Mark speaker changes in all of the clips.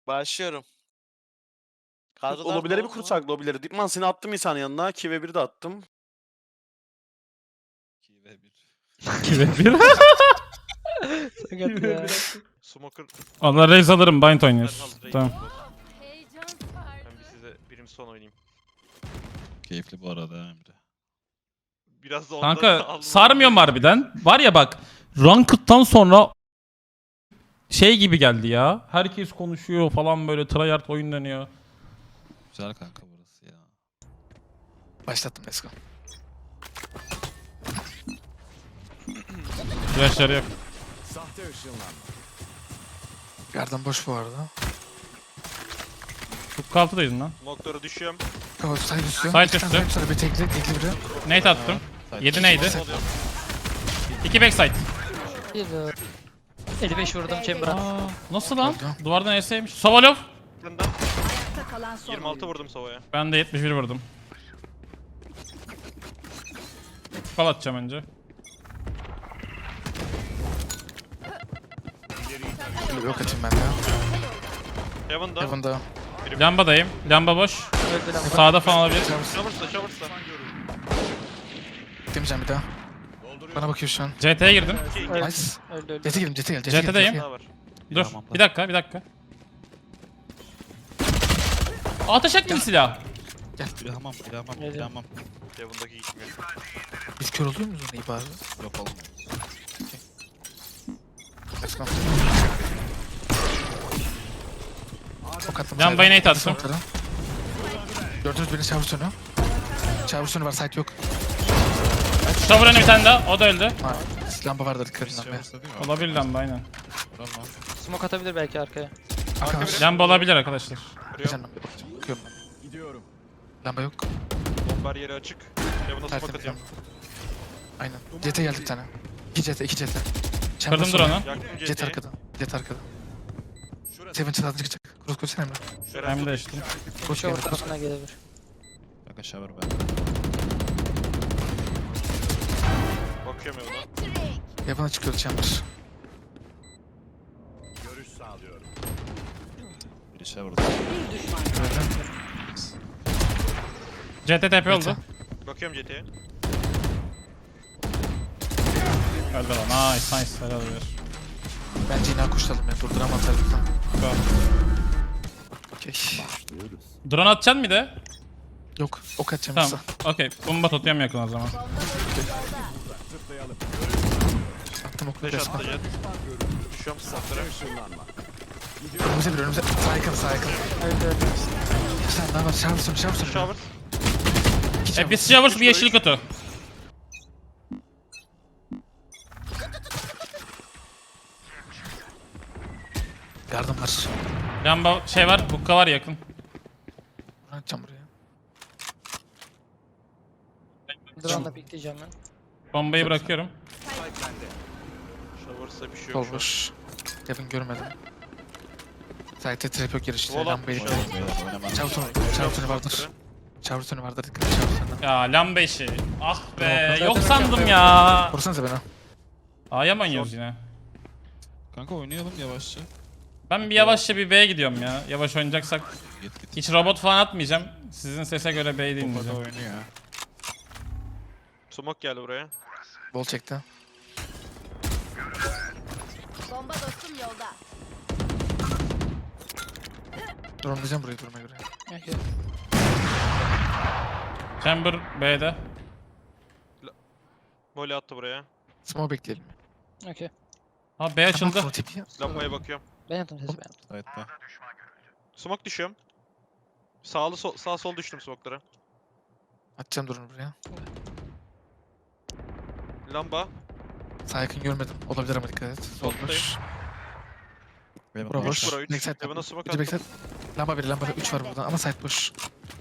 Speaker 1: Başlıyorum. Kadrolar
Speaker 2: Lobilere bir
Speaker 1: dolu mu?
Speaker 2: kursak lobileri. Dipman seni attım insanın yanına. 2 ve 1 de attım.
Speaker 3: 2 ve 1.
Speaker 4: 2 ve 1.
Speaker 5: Sakat ya.
Speaker 3: Smoker
Speaker 4: Allah raise alırım. Bind
Speaker 3: ben
Speaker 4: oynuyoruz.
Speaker 3: hazır
Speaker 4: Tamam.
Speaker 3: Ben bir size birim son oynayayım.
Speaker 6: Keyifli bu arada Emre.
Speaker 3: Biraz da ondan
Speaker 4: Kanka
Speaker 3: aldım.
Speaker 4: sarmıyorum harbiden. Var ya bak. Ranked'dan sonra şey gibi geldi ya. Herkes konuşuyor falan böyle tryhard oyun dönüyor.
Speaker 6: Güzel kanka burası ya.
Speaker 5: Başlattım, let's go.
Speaker 4: Flashları yok.
Speaker 5: Garden boş bu arada.
Speaker 4: Çok altıdaydın lan.
Speaker 3: Smoker'a düşüyorum.
Speaker 5: Go side üstü.
Speaker 4: Side
Speaker 5: İki tane
Speaker 4: üstü.
Speaker 5: Sonra bir tekli biri.
Speaker 4: Nate attım.
Speaker 6: Side
Speaker 4: 7 neydi?
Speaker 3: Oluyor.
Speaker 4: 2 backside.
Speaker 5: 55 vurdum Chamber'a.
Speaker 4: Aa, nasıl lan?
Speaker 5: Oldu.
Speaker 4: Duvardan eseymiş. Sovalov.
Speaker 3: Senden 26 vurdum Sova'ya.
Speaker 4: Ben de 71 vurdum. Kal atacağım önce.
Speaker 5: Şimdi yok atayım ben de.
Speaker 3: Heaven'da.
Speaker 5: Heaven'da.
Speaker 4: Lambadayım. Lamba boş.
Speaker 5: Öldü lan.
Speaker 4: Sağda falan olabilir.
Speaker 3: Showers'ta.
Speaker 5: Demeyeceğim bir daha. Bana bakıyor şu an.
Speaker 4: CT'ye girdim.
Speaker 5: Nice. Jet'e girdim, jet'e gel.
Speaker 4: JT'deyim.
Speaker 3: Daha var.
Speaker 4: Dur. Bir dakika. Ateş etmeyin silah.
Speaker 6: Bir hamam, bir hamam, bir hamam.
Speaker 3: Heaven'daki gitmiyor.
Speaker 5: Biz kör oluyor muyuz onu iyi bari?
Speaker 6: Yok olmuyor.
Speaker 5: Let's go. Ok attım.
Speaker 4: Lambayı
Speaker 5: side'e.
Speaker 4: nate attım.
Speaker 5: Smoke'lara. Gördünüz beni shower sonu. Shower sonu var, site yok.
Speaker 4: Shower'ın bir tane daha. O da öldü.
Speaker 5: Ha, lamba vardır dikkat edin be.
Speaker 6: Showers'ta değil mi?
Speaker 4: Olabilir lamba aynen.
Speaker 6: Tamam.
Speaker 7: Smoke atabilir belki arkaya.
Speaker 5: Arka var.
Speaker 4: Lamba olabilir arkadaşlar.
Speaker 5: Bir tane lamba bakacağım. Bakıyorum ben. Lamba yok.
Speaker 3: Bombar yeri açık. Heaven'a smoke
Speaker 5: Tertemiz
Speaker 3: atıyorum.
Speaker 5: lamba. Aynen. Jet'e geldi bir tane. 2 jet'e, 2 jet'e.
Speaker 4: Kırdım drone'u.
Speaker 3: Yaktım
Speaker 5: Jet
Speaker 3: CT'yi.
Speaker 5: arkada. Jet arkada. Seven çıtlatı çıkacak. Cross koysana Emre.
Speaker 4: Hem de işte.
Speaker 5: Cross
Speaker 7: Shower
Speaker 5: geldi.
Speaker 7: tarafına gelebilir.
Speaker 6: Kanka shower ben.
Speaker 3: Bakıyorum Heaven'a.
Speaker 5: Yapana çıkıyordu chamber.
Speaker 6: Biri shower'da.
Speaker 4: CT TP oldu.
Speaker 3: Bakıyorum CT'ye.
Speaker 4: Öldü lan. Nice. Helal olsun.
Speaker 5: Bence yine kuşlayalım ya. Durduramazlar lütfen.
Speaker 4: Go.
Speaker 5: Okey.
Speaker 4: Drone atacaksın bir de.
Speaker 5: Yok. Ok atacağım
Speaker 4: Tamam.
Speaker 5: size.
Speaker 4: Okey. Bomba tutuyorum yakın o zaman.
Speaker 5: Attım oku.
Speaker 3: Flash
Speaker 5: Resmen.
Speaker 3: attı jet. Düşüyorum smoke'lara.
Speaker 5: Önümüze bir önümüze. Sağ yakın sağ yakın. Bir tane daha var. Shower sonu. Shower sonu.
Speaker 3: Shower.
Speaker 4: Bir Showers bir yeşil kutu.
Speaker 5: Yardım var.
Speaker 4: Lamba şey var. Bukka var yakın.
Speaker 5: Bunu atacağım buraya.
Speaker 7: Drone'la pikleyeceğim ben.
Speaker 4: Bombayı bırakıyorum.
Speaker 3: Showers'ta bir şey yok
Speaker 5: Sol
Speaker 3: şu an.
Speaker 5: boş. Devin görmedim. Site'de trap yok girişte.
Speaker 3: Wall
Speaker 5: Lambayı.
Speaker 3: atmış
Speaker 6: Beyler oynamam.
Speaker 5: Shower sonu vardır. Shower sonu vardır. Dikkat et shower sonuna.
Speaker 4: Ya lamba işi. Ah be. Yok sandım ya.
Speaker 5: Vursanıza beni.
Speaker 4: A'ya mı oynuyoruz yine?
Speaker 6: Kanka oynayalım yavaşça.
Speaker 4: Ben bir yavaşça bir B'ye gidiyorum ya. Yavaş oynayacaksak.
Speaker 6: Git.
Speaker 4: Hiç robot falan atmayacağım. Sizin sese göre B'yi
Speaker 6: Bomba da
Speaker 4: dinleyeceğim.
Speaker 6: oynuyor.
Speaker 3: Smoke geldi buraya.
Speaker 5: Bol çekti.
Speaker 8: Bomba dostum yolda.
Speaker 5: Durmayacağım burayı duruma göre.
Speaker 7: Okey.
Speaker 4: Chamber B'de.
Speaker 3: Molly attı buraya.
Speaker 5: Smoke bekleyelim.
Speaker 7: Okey.
Speaker 4: Ha B açıldı.
Speaker 5: Tamam, tipi.
Speaker 3: Lambaya bakıyorum.
Speaker 7: Ben yaptım sesi ben yaptım.
Speaker 6: Side'da.
Speaker 3: Smoke düşüyorum. Sağ sol düştüm smoke'lara.
Speaker 5: Atacağım durunu buraya.
Speaker 3: Lamba.
Speaker 5: Sağ yakın görmedim. Olabilir ama dikkat et. Sol
Speaker 3: Soldayım.
Speaker 5: boş.
Speaker 6: Benim
Speaker 5: Bura
Speaker 6: boş.
Speaker 5: boş.
Speaker 3: Bura 3.
Speaker 5: Backside
Speaker 3: Heaven'a
Speaker 5: lamba.
Speaker 3: smoke
Speaker 5: Önce
Speaker 3: attım.
Speaker 5: backside. Lamba 1, lamba 3 var burada ama side boş.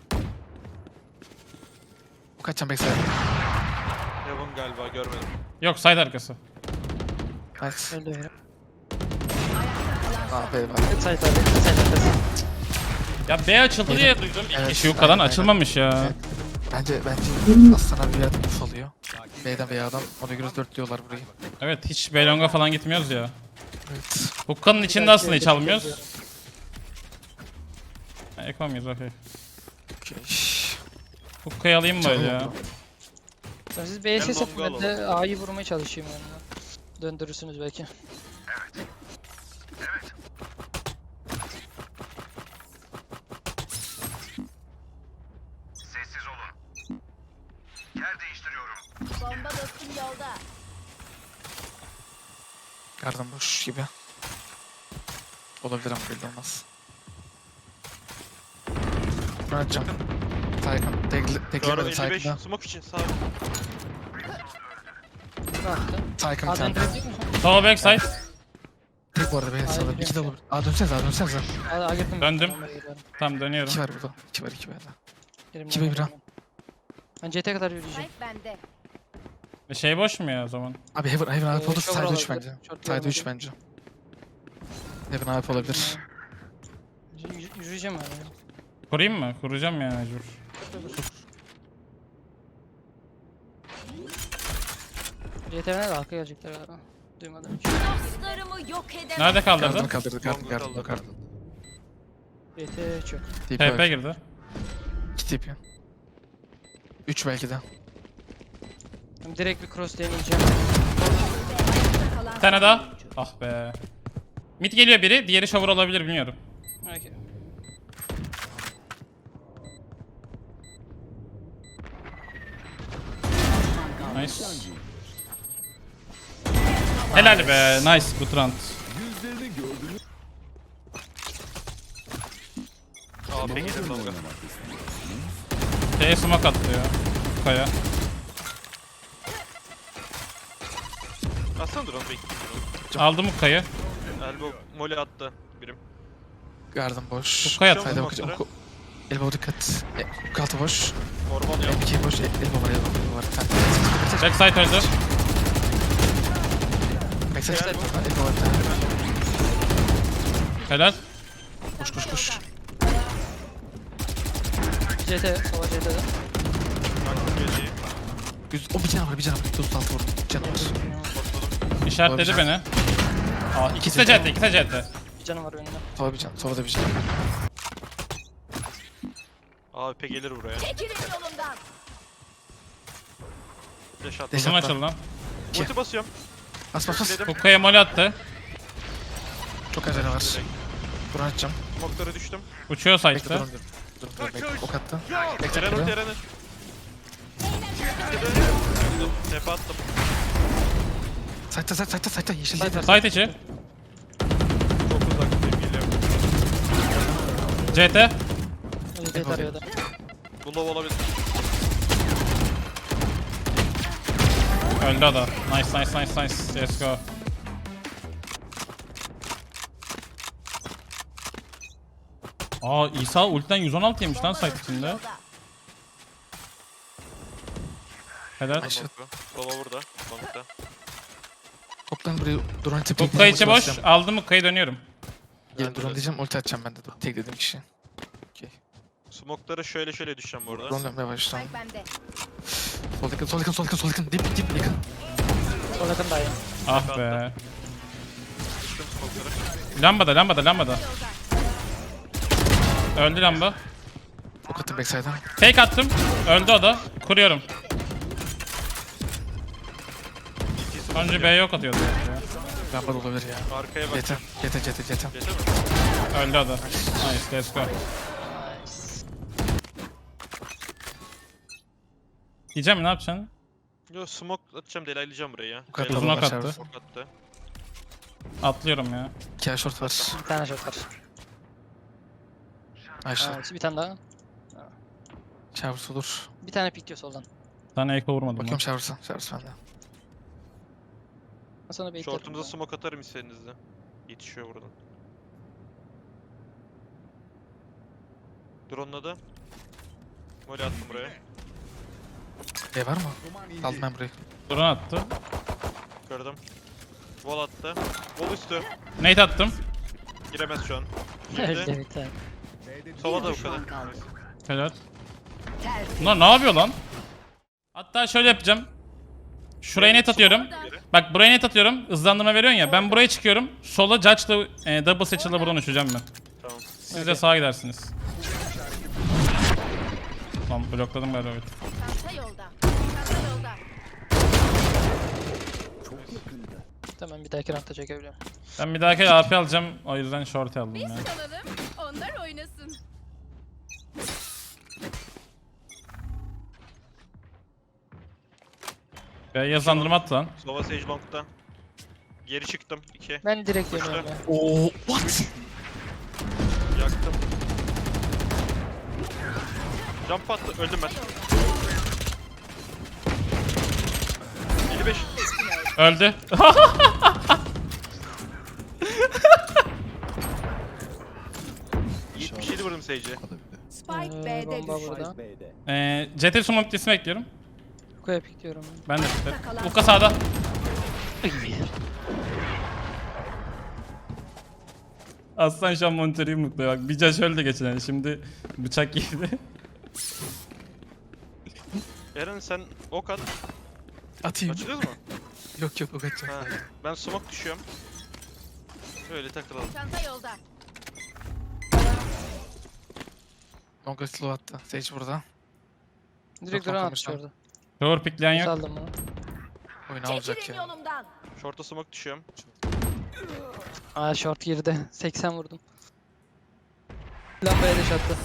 Speaker 5: Bu kaçacağım backside.
Speaker 3: Heaven galiba görmedim.
Speaker 4: Yok side arkası.
Speaker 5: Nice.
Speaker 7: Öldü herif.
Speaker 5: Ah be var.
Speaker 7: Side abi. Side arkası.
Speaker 4: Ya B açıldı diye duydum.
Speaker 5: Evet,
Speaker 4: İki yukadan
Speaker 5: aynen,
Speaker 4: açılmamış ya.
Speaker 5: Evet. Bence Aslan abi bir yerden uf alıyor. B'den B'den ona göre dörtlüyorlar burayı.
Speaker 4: Evet hiç B longa falan gitmiyoruz ya.
Speaker 5: Evet.
Speaker 4: Hukka'nın içinde aslında hiç almıyoruz. Eko muyuz? Okey.
Speaker 5: Okey.
Speaker 4: Hukka'yı alayım böyle ya.
Speaker 5: Oldu.
Speaker 7: Sen siz B'ye ses
Speaker 3: longa
Speaker 7: atın, ben de A'yı vurmaya çalışayım yani. Döndürürsünüz belki.
Speaker 8: Bomba dostum yolda.
Speaker 5: Garden boş gibi. Olabilir ama belli olmaz. Bırakacağım. Saygın.
Speaker 3: Duvarın
Speaker 5: Teklemedim
Speaker 3: 55
Speaker 5: Saygın'da.
Speaker 3: smoke için sağ.
Speaker 7: Bıraktı.
Speaker 5: Saygın bir
Speaker 7: A'dan
Speaker 5: tane.
Speaker 7: direkt mi?
Speaker 4: Solo backside.
Speaker 5: Tek bu arada beni sağladı.
Speaker 7: biliyorum
Speaker 5: İki de
Speaker 7: ya.
Speaker 5: olur. Dönsenize.
Speaker 7: A girdim.
Speaker 4: Döndüm.
Speaker 7: Ben geliyorum.
Speaker 4: Tamam dönüyorum.
Speaker 5: İki var burada. İki var iki var.
Speaker 7: Girim
Speaker 5: İki
Speaker 7: ben
Speaker 5: ve bir ha.
Speaker 7: geliyorum. Ben CT kadar yürüyeceğim.
Speaker 8: Spike bende.
Speaker 4: Şey boş mu ya o zaman?
Speaker 5: Abi Heaven AWP olur.
Speaker 7: Shower
Speaker 5: Side 3
Speaker 7: olabilir.
Speaker 5: bence.
Speaker 7: Short
Speaker 5: Side 3
Speaker 7: görmedim.
Speaker 5: bence. Heaven AWP olabilir.
Speaker 7: Yürüyeceğim ben.
Speaker 4: Kurayım mı? Kuracağım ya mecbur.
Speaker 7: CT'ne de halka gelecekler galiba. Duymadım hiç.
Speaker 8: Dostlarımı yok edemem.
Speaker 4: Nerede
Speaker 5: Garden'ı
Speaker 4: kaldırdın?
Speaker 5: kaldırdı.
Speaker 3: Longa
Speaker 5: Garden.
Speaker 7: CT çok.
Speaker 5: TP
Speaker 4: TP
Speaker 5: var.
Speaker 4: girdi.
Speaker 5: 2 TP. 3 belki de.
Speaker 7: Ben direkt bir cross deneyeceğim.
Speaker 4: Bir tane daha. Ah be. Mid geliyor biri. Diğeri shower olabilir bilmiyorum.
Speaker 7: Okay.
Speaker 4: Nice. Helal be. Nice. Good round.
Speaker 3: AP gelir longa.
Speaker 4: Şeye smoke attı ya. Kaya.
Speaker 3: Aslında drone bekliyorum.
Speaker 4: Aldım Hukka'yı.
Speaker 3: Elbow molly attı birim.
Speaker 5: Garden boş.
Speaker 4: Hukka'ya
Speaker 3: Şu an
Speaker 4: attı.
Speaker 5: Sayda
Speaker 3: smoke'ları.
Speaker 5: bakacağım. Elbow dikkat. Kaltı boş.
Speaker 3: Orman yok.
Speaker 5: M2 boş. Elbow var. Bir tane.
Speaker 4: Backside öldü.
Speaker 5: Backside elbow var bir tane.
Speaker 4: Helal.
Speaker 5: Koş.
Speaker 7: CT, sola CT'de.
Speaker 3: Baktım geceyi.
Speaker 5: O bir canı var. 36 vurdum. Canı var.
Speaker 4: İşaretledi
Speaker 5: Olabilir.
Speaker 4: beni. Aa, ikisi de CT. İkisi de CT.
Speaker 7: Bir canı var önünde.
Speaker 5: Sola bir can. Sola da bir can.
Speaker 3: AP gelir buraya.
Speaker 8: Çekilin yolumdan.
Speaker 3: Flash attı.
Speaker 5: Deş
Speaker 4: Uzun
Speaker 5: atla.
Speaker 4: açıldı lan.
Speaker 5: İki.
Speaker 3: Ulti basıyorum.
Speaker 5: Bas.
Speaker 3: Dedim.
Speaker 4: Hukka'ya molly attı.
Speaker 5: Çok acele var. Buran atacağım.
Speaker 3: Smoke'lara düştüm.
Speaker 4: Uçuyor
Speaker 5: Bekle
Speaker 4: side'da.
Speaker 5: dur. Bekle. Ok attı. Bekle.
Speaker 3: Eren ulti
Speaker 5: bekle.
Speaker 3: Eren'e. Tepe attım.
Speaker 5: Sayta. Yeşil değil.
Speaker 4: Side içi.
Speaker 3: Çok uzaktayım geliyorum.
Speaker 4: CT.
Speaker 7: CT tarıyordu.
Speaker 3: Bu low olabilir.
Speaker 4: Öldü o da. Nice. Let's go. Aa İsa ultiden 116 yemiş lan site içinde. Helal.
Speaker 5: Ayşe.
Speaker 3: Sova burada. Long'da.
Speaker 5: Toplan buraya duran tipi.
Speaker 4: Hukka içi boş. Aldım Hukka'yı dönüyorum.
Speaker 5: Gelin duran diyeceğim. Ulti atacağım ben de. Tek dediğim kişi.
Speaker 3: Smoke'lara şöyle düşeceğim bu arada.
Speaker 5: Duran dönmeye yavaştan.
Speaker 8: Spike bende.
Speaker 5: Sol yakın. Dip yakın.
Speaker 7: Sol yakın dayı.
Speaker 4: Ah be.
Speaker 3: Düştüm smoke'lara.
Speaker 4: Lambada. Öldü lamba.
Speaker 5: Ok attım backside'a.
Speaker 4: Fake attım. Öldü o da. Kuruyorum. Önce B'ye yok atıyordu. Ya.
Speaker 5: Lamba da olabilir ya.
Speaker 3: Arkaya bak.
Speaker 5: Yetem.
Speaker 3: Geçer mi?
Speaker 4: Öldü o da. Nice. Let's go. Diyeceğim ne yapacaksın?
Speaker 3: Yo smoke atacağım delaylayacağım burayı ya.
Speaker 5: Bu kadar
Speaker 4: Uzun ok
Speaker 5: var,
Speaker 4: attı.
Speaker 3: Smoke attı.
Speaker 4: Atlıyorum ya.
Speaker 5: 2 ay short var.
Speaker 7: Bir tane shot var.
Speaker 5: Ayşe.
Speaker 7: Evet, bir tane daha.
Speaker 5: Showers olur.
Speaker 7: Bir tane pikliyor soldan.
Speaker 4: Bir tane eko vurmadım.
Speaker 5: Bakıyorum Showers'a. Showers bende.
Speaker 7: Ben sana beklerim.
Speaker 3: Short'umuza smoke atarım istediğinizde. Yetişiyor buradan. Drone'la da. Molly attım buraya.
Speaker 5: B var mı? Aldım ben burayı.
Speaker 4: Drone attı.
Speaker 3: Gördüm. Wall attı. Wall üstü.
Speaker 4: Nate attım.
Speaker 3: Giremez şu an.
Speaker 7: Öldü
Speaker 3: Girdi.
Speaker 7: bir tane.
Speaker 3: Sova da bu kadar.
Speaker 4: Helal. Bunlar ne yapıyor lan? Hatta şöyle yapacağım. Şuraya net atıyorum. Bak buraya net atıyorum. Hızlandırma veriyorsun ya. Ben buraya çıkıyorum. Sola Judge'la double satchel'la buradan uçacağım ben.
Speaker 3: Tamam.
Speaker 4: Siz de sağa gidersiniz. Lan blokladım galiba. Evet.
Speaker 8: Çanta yolda. Çanta yolda.
Speaker 7: Tamam bir dahaki roundda çekebiliyorum.
Speaker 4: Ben bir dahaki AP alacağım. O yüzden short aldım ya.
Speaker 8: Kalalım. Onlar oynasın.
Speaker 4: Yazandırma at lan.
Speaker 3: Sova Sage Long'da. Geri çıktım. 2.
Speaker 7: Ben direkt dönüyorum ya.
Speaker 5: Oo, what?
Speaker 3: Yaktım. Jump attı. Öldüm ben. 55.
Speaker 4: Öldü.
Speaker 3: 77 vurdum Sage'e.
Speaker 6: Hadi bir de.
Speaker 8: Spike B'de
Speaker 7: Bomba
Speaker 8: düştü.
Speaker 7: burada.
Speaker 4: CT smoke dismi bekliyorum.
Speaker 7: Kuya pikliyorum.
Speaker 4: Ben de piklerim. Uka sağda. Aslan şu an monitörü mutlu bak. Bir caş öldü geçen ay, şimdi bıçak yedi.
Speaker 3: Eren sen ok at.
Speaker 5: Atayım.
Speaker 3: Açılıyor mu?
Speaker 5: Yok yok atacağım.
Speaker 3: Ha. Ben smoke düşüyorum. Böyle takılalım.
Speaker 8: Çanta yolda.
Speaker 5: Longa slow attı. Sage burada.
Speaker 7: Direkt
Speaker 5: Yok,
Speaker 7: drone
Speaker 5: yok,
Speaker 7: atmış
Speaker 5: yok.
Speaker 7: orada.
Speaker 4: Doğru pikleyen yok.
Speaker 7: Saldım bunu.
Speaker 5: Oyunu alacak
Speaker 8: Çekilin
Speaker 5: ya.
Speaker 8: yolumdan.
Speaker 3: Short'a smoke düşüyorum.
Speaker 7: Aa short girdi. 80 vurdum. Lambaya dash attı.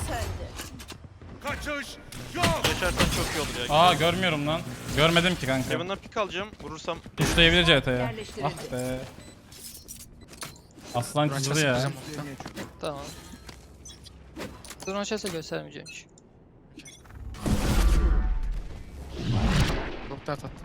Speaker 3: Geçersen çok iyi olur ya.
Speaker 4: Aa görmüyorum lan. Görmedim ki kanka.
Speaker 3: Heaven'dan pick alacağım. Vurursam
Speaker 4: Düşleyebilir CT'ye. Ah be. Aslan
Speaker 5: Drone
Speaker 4: kızdı
Speaker 5: chest
Speaker 4: ya.
Speaker 5: yapacağım orada.
Speaker 7: Tamam. Drone chest'e göstermeyeceğim hiç.
Speaker 5: Çok dert attı.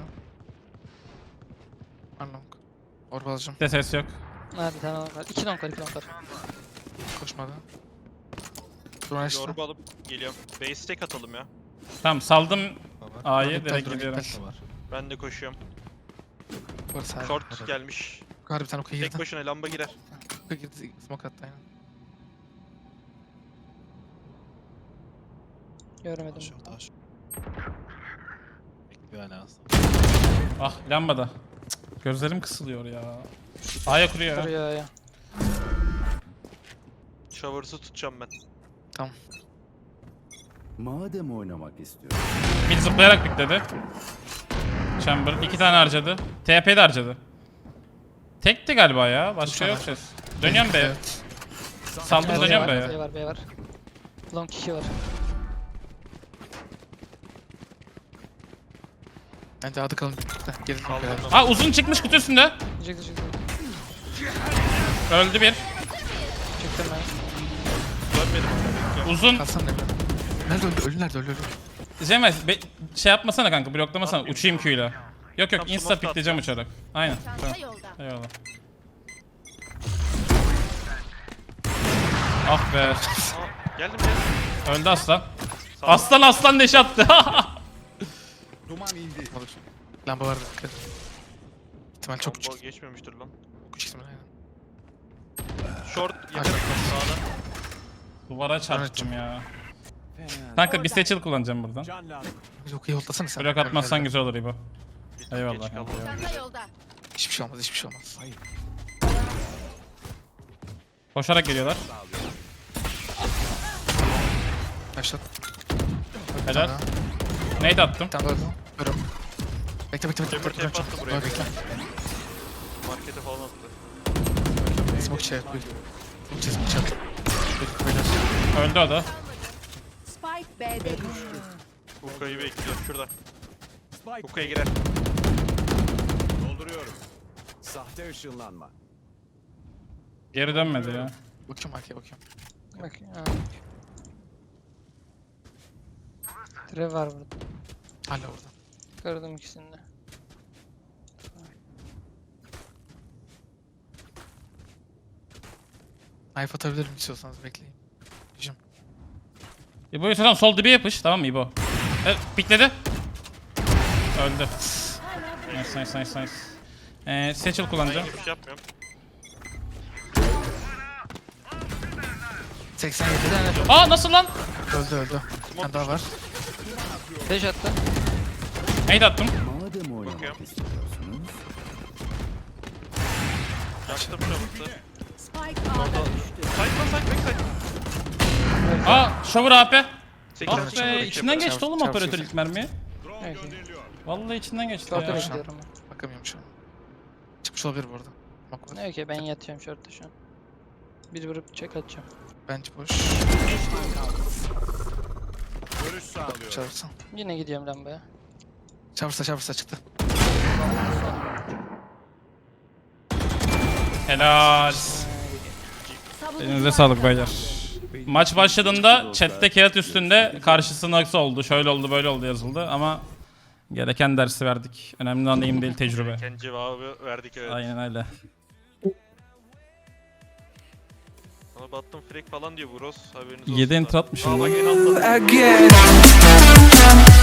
Speaker 5: Unlong. Orba alacağım.
Speaker 4: Bir de ses yok.
Speaker 7: Ha bir tane var. 2 long var 2 long var.
Speaker 5: Koşmadı. Drone açtı.
Speaker 3: yorba alıp geliyorum. Base stack atalım ya.
Speaker 4: Tamam saldım A'yı
Speaker 5: Drone
Speaker 4: direkt
Speaker 5: iptal,
Speaker 4: gidiyorum.
Speaker 5: drone
Speaker 6: Var.
Speaker 3: Ben de koşuyorum.
Speaker 5: Var sağ.
Speaker 3: Short gelmiş.
Speaker 5: Yukarı bir tane okuya
Speaker 3: Tek
Speaker 5: girdi.
Speaker 3: başına lamba girer.
Speaker 5: Okuya girdi. Smoke attı aynen.
Speaker 7: Görmedim.
Speaker 6: Şu taş. Bekliyor hala aslında.
Speaker 4: Ah lambada. Cık, gözlerim kısılıyor ya. A'ya kuruyor ya.
Speaker 7: Duruyor ya.
Speaker 3: Shower'sı tutacağım ben.
Speaker 9: Madem oynamak istiyorum.
Speaker 4: Bir zıplayarak pikledi. Chamber 2 tane harcadı. TP de harcadı. Tekti galiba ya. Başka
Speaker 5: Çok
Speaker 4: yok ses. Dönüyorum B'ye.
Speaker 5: Evet.
Speaker 4: Saldım
Speaker 7: B
Speaker 4: dönüyorum
Speaker 7: var, B
Speaker 4: B'ye.
Speaker 7: var, B var. Long 2 var.
Speaker 5: Bence adı kalın. Gelin
Speaker 3: Kaldım
Speaker 5: beraber.
Speaker 3: ben.
Speaker 4: Aa uzun çıkmış kutu üstünde.
Speaker 7: Çıktı çıktı.
Speaker 4: Öldü bir.
Speaker 7: Çıktım ben.
Speaker 3: Dönmedim. Bekliyorum.
Speaker 4: Uzun.
Speaker 5: Kalsana Emre. Nerede öldü? Ölü nerede? Ölü.
Speaker 4: Cemil şey yapmasana kanka, bloklamasana.
Speaker 3: Yapmayayım.
Speaker 4: Uçayım Q'yla. Yok yok,
Speaker 3: Tam
Speaker 4: insta
Speaker 3: smoke
Speaker 4: pikleyeceğim uçarak. Aynen.
Speaker 8: Çanta
Speaker 4: Tamam.
Speaker 8: yolda.
Speaker 4: Eyvallah. Ah be.
Speaker 3: Aa, geldim geldim.
Speaker 4: Öldü aslan.
Speaker 3: Sağ ol.
Speaker 4: Aslan deş attı.
Speaker 5: Lamba vardı. Dikkat. İhtimal çok
Speaker 3: Combo
Speaker 5: küçük.
Speaker 3: geçmemiştir lan.
Speaker 5: Küçük ihtimal aynen.
Speaker 3: Short yakın sağda.
Speaker 4: Duvara çarptım ya. Kanka bir seçil kullanacağım buradan.
Speaker 5: Yok yollasana sen.
Speaker 4: Blok atmazsan güzel olur İbo.
Speaker 3: Bir tık
Speaker 4: Eyvallah
Speaker 3: geç
Speaker 4: kanka,
Speaker 3: kaldım.
Speaker 4: eyvallah.
Speaker 8: Çanta yolda.
Speaker 5: Hiçbir şey olmaz. Hiçbir şey olmaz.
Speaker 4: Koşarak geliyorlar.
Speaker 5: Başlat.
Speaker 4: Helal. Nade attım.
Speaker 5: Bir tane daha öldü. Görüyorum. Bekle bekle bekle.
Speaker 3: Chamber
Speaker 5: bekle,
Speaker 3: tape
Speaker 5: bekle.
Speaker 3: attı buraya.
Speaker 5: Bekle. Bekle.
Speaker 3: Markete falan attı.
Speaker 5: Smoke içeri. Buyur. Smoke içeri. Smoke içeri. Buyur,
Speaker 4: Öldü o da.
Speaker 8: Spike B'de düştü.
Speaker 3: Hookah'yı bekliyorum şurada. Hookah'ya girer.
Speaker 9: Dolduruyorum. Sahte ışınlanma.
Speaker 4: Geri dönmedi ya.
Speaker 5: Bakıyorum arkaya bakıyorum.
Speaker 7: Bak. Ha. Trev var burada.
Speaker 5: Hala orada.
Speaker 7: Gördüm ikisini de.
Speaker 5: Knife atabilirim istiyorsanız bekleyin.
Speaker 4: İbo'yu tutan sol dibe yapış, tamam mı İbo? Evet, pikledi. Öldü. Nice nice nice nice. Seçil
Speaker 3: Ben
Speaker 4: kullanacağım.
Speaker 3: hiçbir şey yapmıyorum.
Speaker 5: 87.
Speaker 4: Aa nasıl lan?
Speaker 5: Öldü öldü. Bir tane daha var.
Speaker 7: Dash attı.
Speaker 4: Nade attım.
Speaker 9: Madem oynamak
Speaker 3: Bakıyorum.
Speaker 9: istiyorsunuz.
Speaker 3: Yaktım Shower'sı.
Speaker 8: Spike A'da düştü.
Speaker 3: Side lan side back side.
Speaker 4: Aa shower AP. Ah be içinden geçti oğlum
Speaker 5: Çarp,
Speaker 4: operatör
Speaker 5: çarp.
Speaker 4: ilk mermi.
Speaker 7: Evet.
Speaker 4: Vallahi içinden geçti
Speaker 7: Short'a
Speaker 4: ya.
Speaker 7: bekliyorum.
Speaker 5: Bakamıyorum şu an. Çıkmış olabilir bu arada. Bak var.
Speaker 7: Ne ki ben yatıyorum short'ta şu an. Bir vurup check atacağım.
Speaker 5: Bence boş.
Speaker 9: Görüş sağlıyor.
Speaker 5: Çarpsın.
Speaker 7: Yine gidiyorum lambaya.
Speaker 5: Çarpsa çıktı.
Speaker 4: Helal. Elinize sağlık beyler. Maç başladığında chatte kağıt üstünde karşısı nasıl oldu, şöyle oldu, böyle oldu yazıldı ama gereken dersi verdik. Önemli olan neyim değil tecrübe.
Speaker 3: Kendi cevabı verdik evet.
Speaker 4: Aynen öyle.
Speaker 3: Bana battım frek falan diyor Bros. Haberiniz olsun.
Speaker 4: 7
Speaker 3: da.
Speaker 4: enter atmışım
Speaker 3: Aa, bak
Speaker 4: lan.
Speaker 3: en altta.